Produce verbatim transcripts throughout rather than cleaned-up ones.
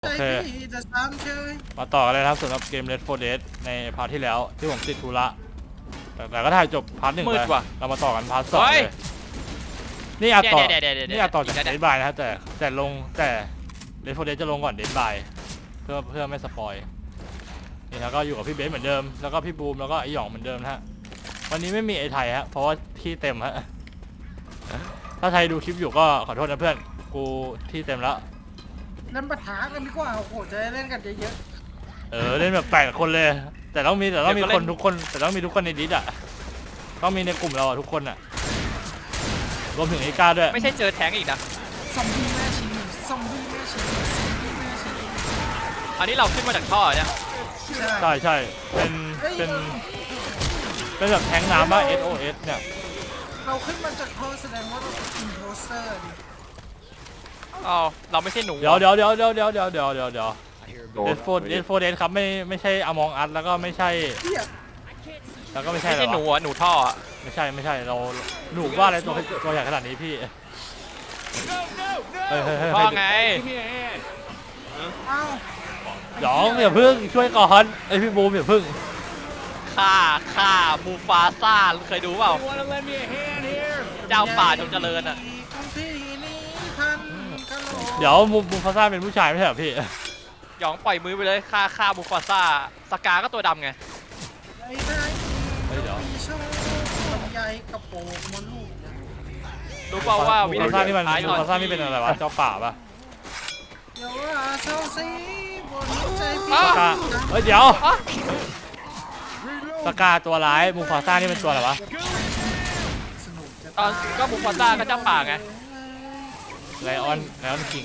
โอเคมาต่อกันเลยครับสำหรับเกม Left โฟร์ Dead ในพาร์ทที่แล้วที่ผมติดธุระแต่แต่ก็ถ่ายจบพาร์ทหนึ่งไปเรามาต่อกันพาร์ทสองเลยนี่อาจต่อนี่อาจต่อจาก Dead by นะครับแต่แต่ลงแต่ Left โฟร์ Dead จะลงก่อน Dead by เพื่อเพื่อไม่สปอยนี่แล้วก็อยู่กับพี่เบสเหมือนเดิมแล้วก็พี่บูมแล้วก็ไอหยองเหมือนเดิมนะฮะวันนี้ไม่มีไอไทยฮะเพราะว่าที่เต็มฮะถ้าไทยดูคลิปอยู่ก็ขอโทษนะเพื่อนกูที่เต็มแล้วเล่นปะทะกันดีกว่าโอ้โหจะได้เล่นกันเยอะๆเออเล่นแบบแปดคนเลยแต่ต้องมีแต่ต้องมีคนทุกคนแต่ต้องมีทุกคนในดิสอ่ะต้องมีในกลุ่มเราอ่ะทุกคนอ่ะรวมถึงไอ้ก้าด้วยไม่ใช่เจอแทงอีกนะซอมบี้แม่ชีซอมบี้แม่ชีซอมบี้แม่ชีอันนี้เราขึ้นมาจากท่อเนี่ยใช่ใช่เป็นเป็นเป็นแบบแทงน้ำว่า เอส โอ เอส เนี่ยเราขึ้นมาจากท่อแสดงว่าเราเป็นอินโพสเตอร์ดิอ๋อเราไม่ใช่หนูเดี๋ยวเดี๋ยวเดี๋ยวเดี๋ยวเดี๋ยวเดี๋ยวเดี๋ยวเดี๋ยวเดี๋ยวเอสโฟร์เอสโฟร์เดสครับไม่ไม่ใช่อมองอัสแล้วก็ไม่ใช่แล้วก็ไม่ใช่ไม่ใช่หนูอ่ะหนูท่อไม่ใช่ไม่ใช่เราหนูว่าอะไรตัวตัวใหญ่ขนาดนี้พี่ท่อไงหยองอย่าพึ่งช่วยก่อนไอพี่บูมอย่าพึ่งฆ่าฆ่ามูฟาซ่าเคยดูเปล่าเจ้าป่าจงเจริญอ่ะเดี๋ยวมูมูฟาซ่าเป็นผู้ชายไม่ใช่เหรอพี่หยองปล่อยมือไปเลยฆ่าฆ่ามูฟาซ่าสกาก็ตัวดำไงเดี๋ยวใหญ่กระโปรงมดลูกรู้เปล่าว่ามูฟาซ่านี่มันมูฟาซ่านี่เป็นอะไรวะเจ้าป่าปะเดี๋ยวว่าเศร้าซีบนใจพี่สกาเฮ้ยเดี๋ยวสกาตัวร้ายมูฟาซ่านี่เป็นตัวอะไรวะตอนก็มูฟาซ่าก็เจ้าป่าไงไลออนไลออนคิง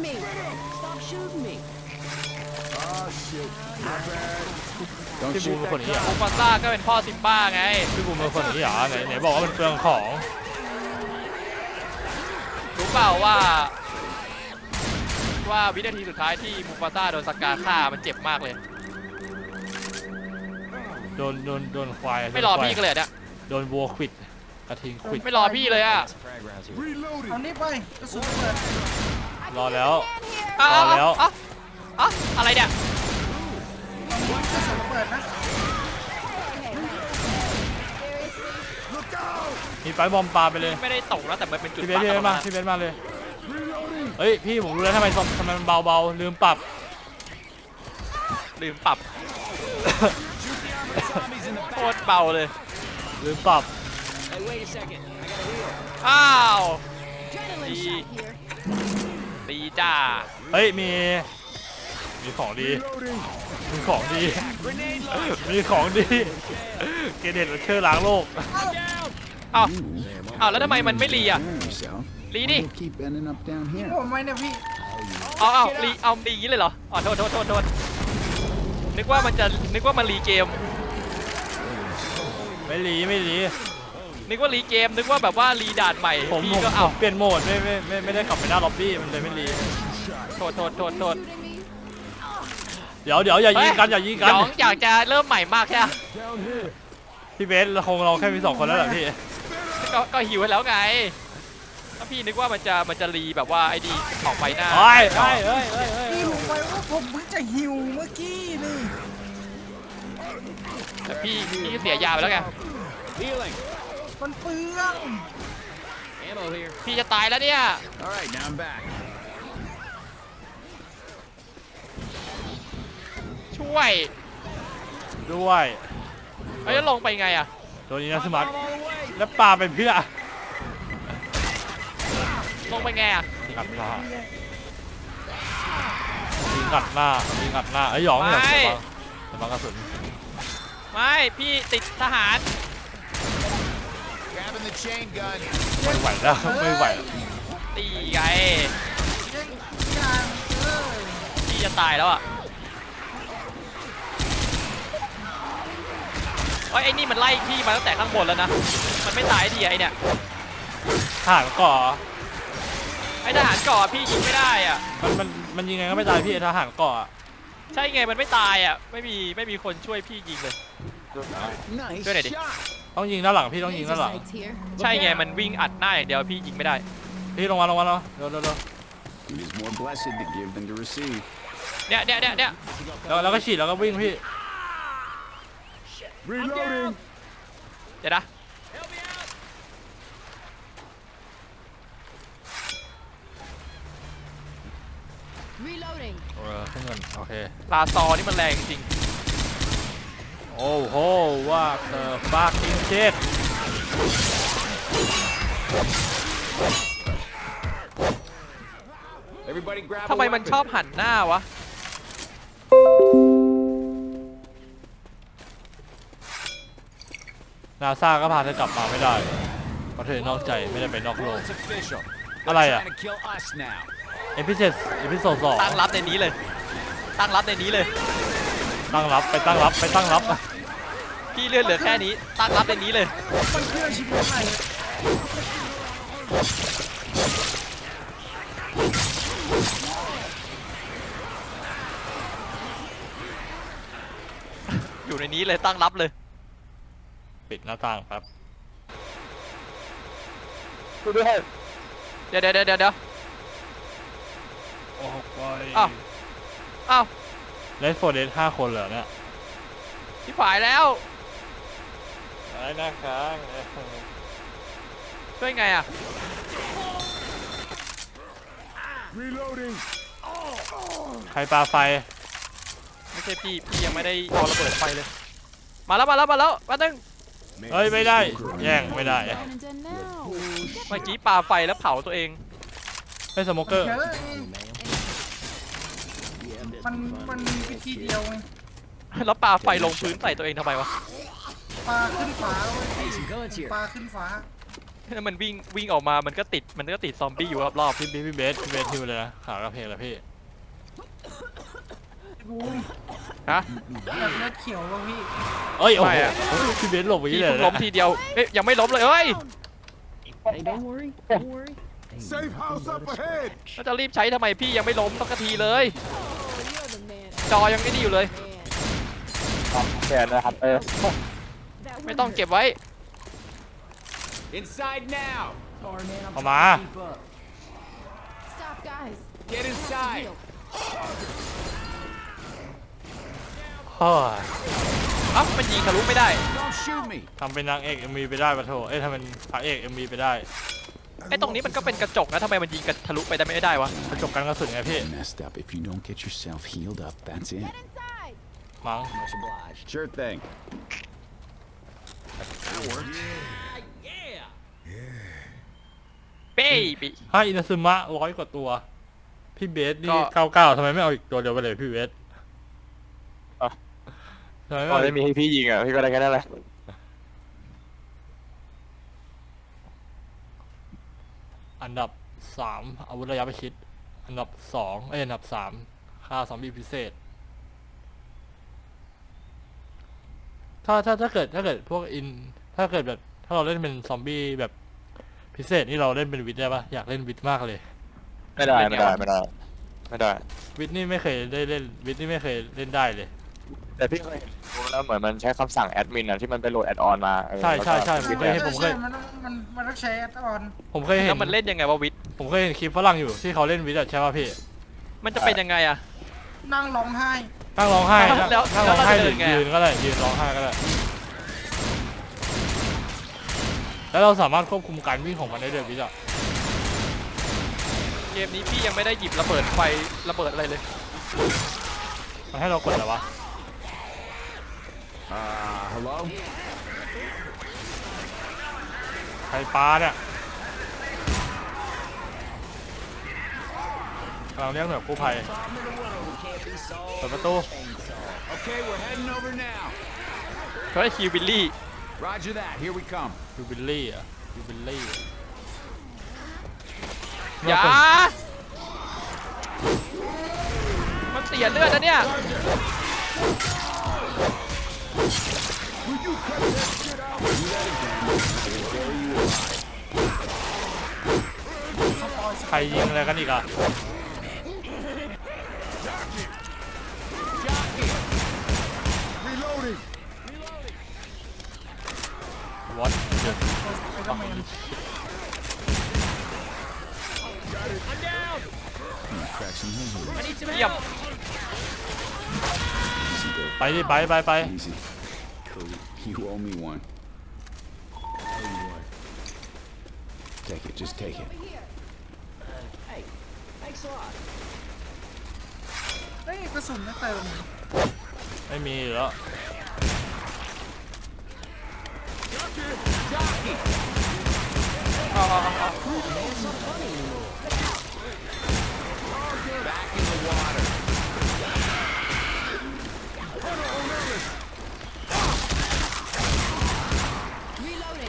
พี่บูมเป็นคนนี้เหรอมูฟาซ่าก็เป็นพ่อซิมบ้าไงพี่บูมเป็นคนนี้เหรอไหนไหนบอกว่ามันเปลืองของรู้เปล่าว่าว่าวินาทีสุดท้ายที่มูฟาซ่าโดนสกาฆ่ามันเจ็บมากเลยโดนโดนโดนควายไม่รอพี่กันเลยเนี่ยโดนวัวควิดกระทิงควิดไม่รอพี่เลยอ่ะเอานี่ไปกระสุนเปิดรอแล้วรอแล้วอะอะไรเนี่ยกระสุนเปิดนะมีไฟบอมปาไปเลยไม่ได้ตกนะแต่มันเป็นจุดพี่เบสพี่เบสมาพี่เบสมาเลยเฮ้ยพี่ผมรู้แล้วทำไมทำไมมันเบาเบาลืมปรับลืมปรับโคตรเบาเลยลืมปรับอ้าวดีดีจ้าเฮ้ยมีมีของดีมีของดีมีของดีเกเดตเชื่อล้างโลกอ้าวอ้าวแล้วทำไมมันไม่รีอ่ะรีดิผมไม่เนี่ยพี่เอาเอารีเอารีอย่างนี้เลยเหรออ๋อโทษโทษโทษโทษนึกว่ามันจะนึกว่ามันรีเกมไม่รีไม่รีนึกว่ารีเกมนึกว่าแบบว่ารีด่านใหม่ผมผมก็เอาเปลี่ยนโหมดไม่ไม่ไม่ไม่ได้ขับไปหน้าล็อบบี้มันเลยไม่รีโทษโทษโทษโทษเดี๋ยวเดี๋ยวอย่ายิงกันอย่ายิงกันน้องอยากจะเริ่มใหม่มากใช่ไหมพี่เบสเราคงเราแค่มีสองคนแล้วแหละพี่ก็ก็หิวแล้วไงถ้าพี่นึกว่ามันจะมันจะรีแบบว่าไอ้ดีออกไปหน้าเฮ้ยเฮ้ยเฮ้ยเฮ้ยพี่รู้ไหมว่าผมเพิ่งจะหิวเมื่อกี้นี่แต่พี่พี่เสียยาไปแล้วไงมันเปลืองพี่จะตายแล้วเนี่ยช่วยด้วยเฮ้ยแล้วลงไปไงอะตัวนี้นะสมัครแล้วปลาเป็นเพื่อลงไปไงอะงัดหน้ายิงงัดหน้ายิงงัดหน้าไอ้หยองเนี่ยจะบังกระสุนไม่พี่ติดทหารไม่ไหวแล้วไม่ไหวตีไงพี่จะตายแล้วอ่ะไอ้ไอ้นี่มันไล่พี่มาตั้งแต่ข้างบนแล้วนะมันไม่ตายดีไอ้เนี่ยทหารก่อไอ้ทหารก่อพี่ยิงไม่ได้อ่ะมันมันมันยิงไงก็ไม่ตายพี่ทหารก่อใช่ไงมันไม่ตายอ่ะไม่มีไม่มีคนช่วยพี่ยิงเลยช่วยหน่อยดิต้องยิงด้านหลังพี่ต้องยิงด้านหลังใช่ไงมันวิ่งอัดหน้าอย่างเดียวพี่ยิงไม่ได้พี่ลงมาลงมาเนาะเร็วเร็วเร็วเนี่ยเนี่ยเนี่ยเนี่ยแล้วแล้วก็ฉีดแล้วก็วิ่งพี่ Reloading. เดี๋ยวนะ Reloading. เออขึ้นเงินโอเคลาซอนี่มันแรงจริงโอ้โหว่าเธอฟากิ้งเช็ด Everybody grab. ทำไมมันชอบหันหน้าวะนาซาก็พาเธอกลับมาไม่ได้เพราะเธอนอกใจไม่ได้ไปนอกโลก It's official. I They're like trying it. to kill us now. เอพิเซสเอพิโซดสองตั้งรับในนี้เลย ตั้งรับในนี้เลยตั้งรับไปตั้งรับไปตั้งรับพี่เลื่อนเหลือแค่นี้ ตั้งรับในนี้เลยมันเพื่อชีวิตใหม่อยู่ในนี้เลยตั้งรับเลยปิดหน้าต่างครับเดี๋ยวเดี๋ยวเดี๋ยวเดี๋ยวโอ้โหอ้าว อ้าวเลสโฟเดสห้าคนเหรอเนี่ยที่ฝ่ายแล้วไอ้หน้าค้างช่วยไงอ่ะ Reloading. ใครปาไฟไม่ใช่พี่ พี่ยังไม่ได้เอาระเบิดไฟเลย มาแล้วมาแล้วมาแล้วมาตึงเฮ้ยไม่ได้แย่งไม่ได้ Canada now. เมื่อกี้ปาไฟแล้วเผาตัวเองไม่สโมเกอร์เยอะมันมันมีวิธีเดียวไงแล้วปาไฟลงพื้นใส่ตัวเองทำไมวะปลาขึ้นฟ้าเว้ยปลาขึ้นฟ้าแล้วมันวิ่งวิ่งออกมา มันก็ติด มันก็ติดซอมบี้อยู่รอบพี่พี่พี่เบสพี่เบสฮิวเลยนะขากระเพงเลยพี่บูมๆฮะแบบเลือดเขียวว่ะพี่เอ้ยโอ้ไม่โหอะพี่เบสหลบไปพี่เลยเพิ่งนะล้มทีเดียว เอ๊ยยังไม่ล้มเลยเอ้ย Hey, don't worry. Don't worry. Safe house up ahead. แล้วจะรีบใช้ทำไมพี่ยังไม่ล้มสักทีเลย You're the man. จอยังไม่ดีอยู่เลย Man. แขนนะครับเออ That ไม่ต้องเก็บไว้ Inside now. ออกมา Stop, guys. Get inside. Heal. เฮ้ยเอ้ามันยิงทะลุไม่ได้ Don't shoot me. ทำเป็นนางเอกเอ็มวีไปได้ปะโถเอ้ยทำเป็นพระเอกเอ็มวีไปได้ไอ้ตรงนี้มันก็เป็นกระจกนะทำไมมันยิงกันทะลุไปได้ไม่ได้วะกระจกกันกระสุนไงพี่ Messed up. If you don't get yourself healed up, that's it. Get inside. มั้ง Sure thing. เบ้บีให้อินาซึมะร้อยกว่าตัว พี่เบสนี่ก็เก้าเก้าทำไมไม่เอาอีกตัวเดียวไปเลยพี่เบสทำไมไม่พอเอาได้มีให้พี่ยิงอ่ะพี่ก็ได้แค่นั้นแหละอันดับสามอาวุธระยะประชิดอันดับสองเอ้ยอันดับสามค่าซอมบี้พิเศษ ถ้าถ้าถ้าเกิดถ้าเกิดพวกอินถ้าเกิดแบบถ้าเราเล่นเป็นซอมบี้แบบพิเศษนี่เราเล่นเป็นวิทย์ได้ปะอยากเล่นวิทย์มากเลยไม่ได้ไม่ได้ไม่ได้ไม่ได้วิทย์นี่ไม่เคยได้เล่นวิทย์นี่ไม่เคยเล่นได้เลยแต่พี่เคยเห็นแล้วเหมือนมันใช้คำสั่งแอดมินอ่ะที่มันไปโหลดแอดออนมาเออใช่ใช่ใช่แล้วก็ผมเคยเห็นผมเคยใช่มันต้องมันมันต้องใช้แอดออนผมเคยเห็แล้นวมันเล่นยังไงวะวิทย์ผมเคยเห็นคลิปฝรั่งอยู่ที่เขาเล่นวิทย์อะใช่ป่ะพี่มันจะเป็นยังไงอะนั่งร้องไห้นั่งร้องไห้แล้วนั่งร้องไห้แล้วหเรารือจะเดินไงอะยืนก็ได้ยืนร้องไห้ก็ได้แล้วเราสามารถควบคุมการวิ่งของมันได้ด้วยวิทย์อะเกมนี้พี่ยังไม่ได้หยิบระเบิดไฟระเบิดอะไรเลยมันให้เรากดอะไรวะ Uh, hello? ใครปลาเนี่ยกำลังเรียกหน่วยกู้ภัยเปิดประตู Okay, we're heading over now. เขาได้คิวบิลลี่ Roger that. Here we come. ยูบิลลี่อะยูบิลลี่อย่า มันเสียเลือดนะเนี่ยใครยิงอะไรกันอีกอะวัดเดือด Crack some heads. เยี่ยม Easy there. ไปดิไปไปไป Easy. Cody, you owe me one. Take it, just take it. Hey, thanks a lot. เฮ้ยกระสุนไม่เติมไม่มีแล้วเอาเอาเอาเอา Back in the water. Reloading.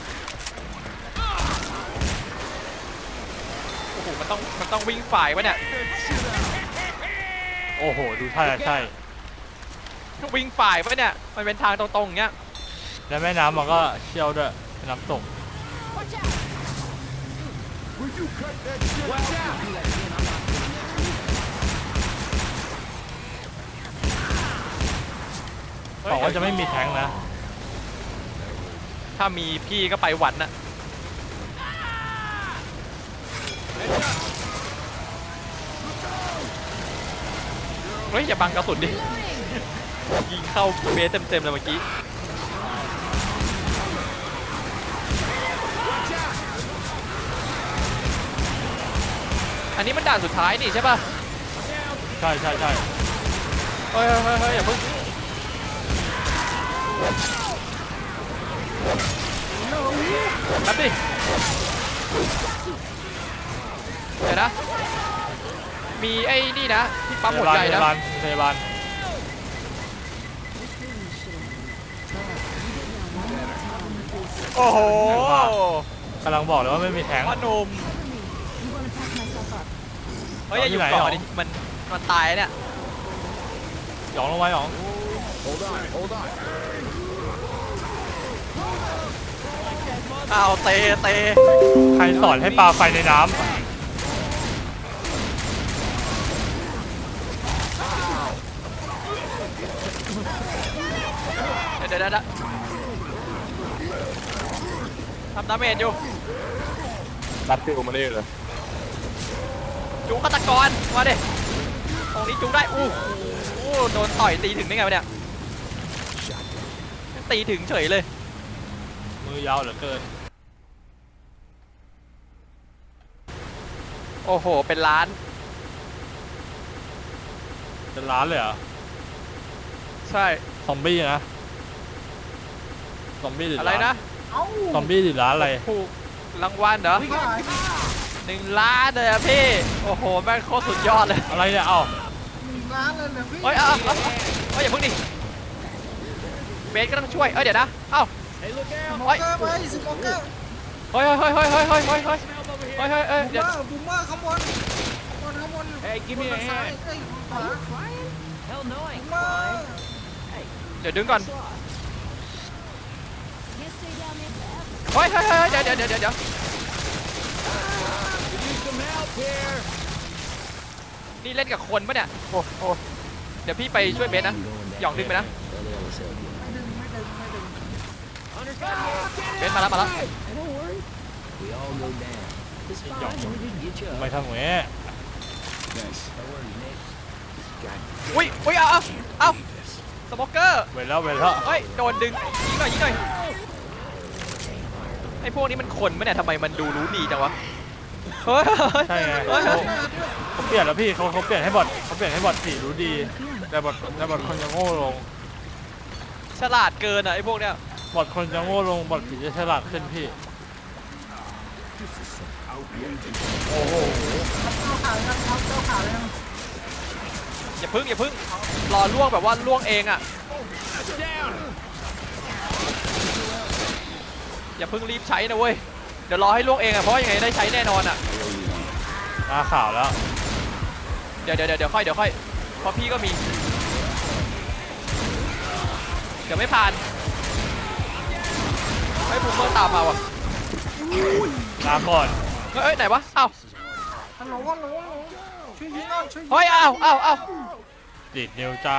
โอ้โหมันต้องมันต้องวิ่งฝ่ายวะเนี่ยโอ้โหดูท่าจะใช่วิ่งฝ่ายวะเนี่ยมันเป็นทางตรงๆอย่างเงี้ยแล้วแม่น้ำมันก็เชี่ยวด้วยเป็นน้ำตก Watch out. Would you cut that shit Watch out! บอกว่าจะไม่มีแทงค์นะถ้ามีพี่ก็ไปหวันน่ะเฮ้ยอย่าบังกระสุนดิ ยิงเข้าเบสเต็มๆเลยเมื่อกี้ อันนี้มันด่านสุดท้ายนี่ใช่ป่ะใช่ใช่ใช่เฮ้ยเฮ้ยเฮ้ยอย่าเพิ่งแป๊บดิเดี๋ยวนะ มีไอ้นี่นะที่ปั๊มพหัวยาบาใจลพนะยาบาลพยาบาลโอ้โหกำลังบอกเลยว่าไม่มีแทงค์พ่อหนุ่ม You wanna pack myself up? เฮ้ยอย่าอยู่ที่ไหนก่อนหรอดิมันมันตายเนี่ยหยองลงไว้หยอง Hold on, hold on. อ้าวเตะเตะใครสอนให้ปลาไฟในน้เดี๋ยวเดี๋ยวเดี๋ยวทำดาเมจอยู่รัดฟิวมาเลยเลยจูฆาตกรมาดิตรงนี้จูได้อู้หูโดนต่อยตีถึงได้ไงวะเนี่ยตีถึงเฉยเลยำมือยาวเหลือเกินโอ้โหเป็นล้านเป็นล้านเลยเหรอใช่ซอมบี้นะซอมบี้หรืออะไรล้านนะเอ้าซอมบี้หรือล้านอะไรถูกรางวัลเหรอไม่ขายหนึ่งล้านเลยอะพี่โอ้โหแม่งโคตรสุดยอดเลยอะไรเนี่ยเอ้าหนึ่งล้านเลยเหรอพี่เฮ้ยเอาเอาเอาเฮ้ยอย่าเพิ่งดิเบสก็ต้องช่วยเอ้ยเดี๋ยวนะเอ้าสโมเกอร์ไปสโมเกอร์เฮ้ยเฮ้ยเฮ้ยเฮ้ยเฮ้ยเฮ้ยเฮ้ยเฮ้ยเฮ้ยเฮ้ยบูมเดี๋ยวเมอร์บูมเมอร์ข้างบนข้างบนข้างบน Hey, give me a บนซ้าย hand. เอ้ยขวา Crying? Hell no, I บู ain't มเมอร์ crying. เดี๋ยวดึงก่อน Can't stay down there forever. เฮ้ยเฮ้ยเฮ้ยเดี๋ยวเดี๋ยวเดี๋ยวเดี๋ยว Need some help here. นี่เล่นกับคนปะเนี่ยโอ้โหเดี๋ยวพี่ไปช่วยเบสนะหยองดึงไปนะไม่ดึงไม่ดึงไม่ดึงเบสมาแล้วมาแล้ว Don't worry. We all go down. It's fine. We didn't get you ทำไมทำอย่างนี้ Thanks. อุ้ยอุ้ยเอาเอาเอาสโมเกอร์เวรแล้วเวรแล้วเฮ้ยโดนดึงยิงหน่อยยิงหน่อยไอ้พวกนี้มันคนปะเนี่ยทำไมมันดูรู้ดีจังวะเฮ้ยใช่ไงเฮ้ยเขาเขาเปลี่ยนแล้วพี่เขาเขาเปลี่ยนให้บอทเขาเปลี่ยนให้บอทสีรู้ดี แต่บอทแต่บอทคนจะโง่ลงฉลาดเกินอ่ะไอ้พวกเนี้ยบอทคนจะโง่ลงบอทผีจะฉลาดขึ้นพี่เจ้าขาวยังครับเจ้าขาวยังอย่าพึ่งอย่าพึ่งรอล่วงแบบว่าล่วงเองอ่ะอย่าพึ่งรีบใช้นะเว้ยเดี๋ยวรอให้ล่วงเองอ่ะเพราะว่ายังไงได้ใช้แน่นอนอ่ะมาข่าวแล้วเดี๋ยวเดี๋ยวเดี๋ยวค่อยเดี๋ยวค่อยเพราะพี่ก็มีเดี๋ยวไม่ผ่านให้บูมเมอร์ตามมาว่ะลาก่อนเฮ้ยเอ้ยไหนวะอ้าวฮัลโหลฮัลโหลฮัลโหลช่วยยิงหน่อยช่วยยิงเฮ้ยอ้าวอ้าวอ้าวติดนิวจ้า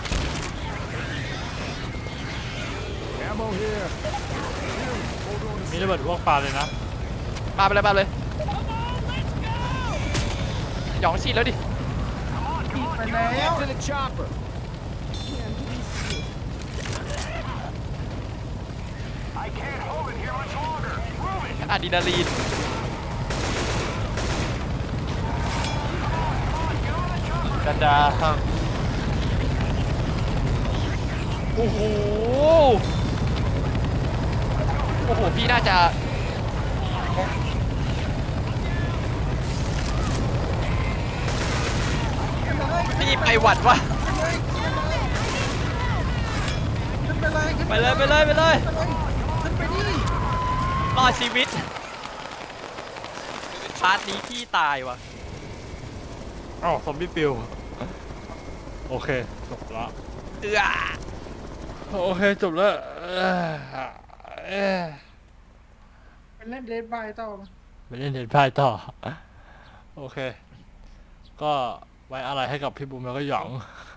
Ammo here. มีมีระเบิดพวกปลาเลยนะปาไปเลยปาเลยหยองฉีดแล้วดิไปแล้ว To the chopper. อะดรีนาลีนดาดาโอ้โหโอ้โหพี่น่าจะพี่ไปหวัดวะขึ้นไปเลยขึ้นไปเลยไปเลยไปเลยขึ้นไปดิรอดชีวิตพาร์ทนี้พี่ตายว่ะอ้าวซอมบี้ปิวโอเคจบละเอือโอเคจบแล้วเอ่อเอ่อไปเล่นเดดบายต่อมาไปเล่นเดนพายต่อโอเค ก็ไว้อะไรให้กับพี่บุ๋มแล้วก็หยอง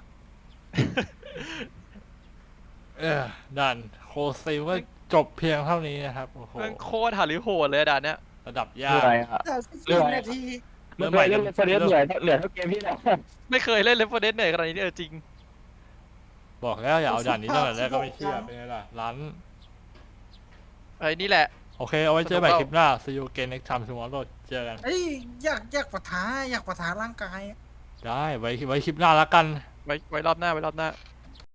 เออด่านโคซิลก็จบเพียงเท่านี้นะครับโอ้โหมันโคตรหาริโหดเลยอะด่านเนี้ยระดับยาเรื่กอะไรฮะแต่สิบเรื่องอะไรนาทีเรื่องใหม่เรื่องเฟรนเหนื่อยเหนื่อยเท่าเกมพี่นะไม่เคยเล่นเลฟเฟอร์เดสเหนื่อยขนาดนี้เออจริงบอกแล้วอย่าเอาด่านนี้ตั้งแต่แรกก็ไม่เชื่อเป็นไงล่ะร้านไอ้นี่แหละโอเคเอาไว้เจอใหม่คลิปหน้า see you again next time tomorrow เจอกันเอ้ยอยากอยากปะทะอยากปะทะร่างกายได้ไว้ไว้คลิปหน้าแล้วกันไว้ไว้รอบหน้าไว้รอบหน้า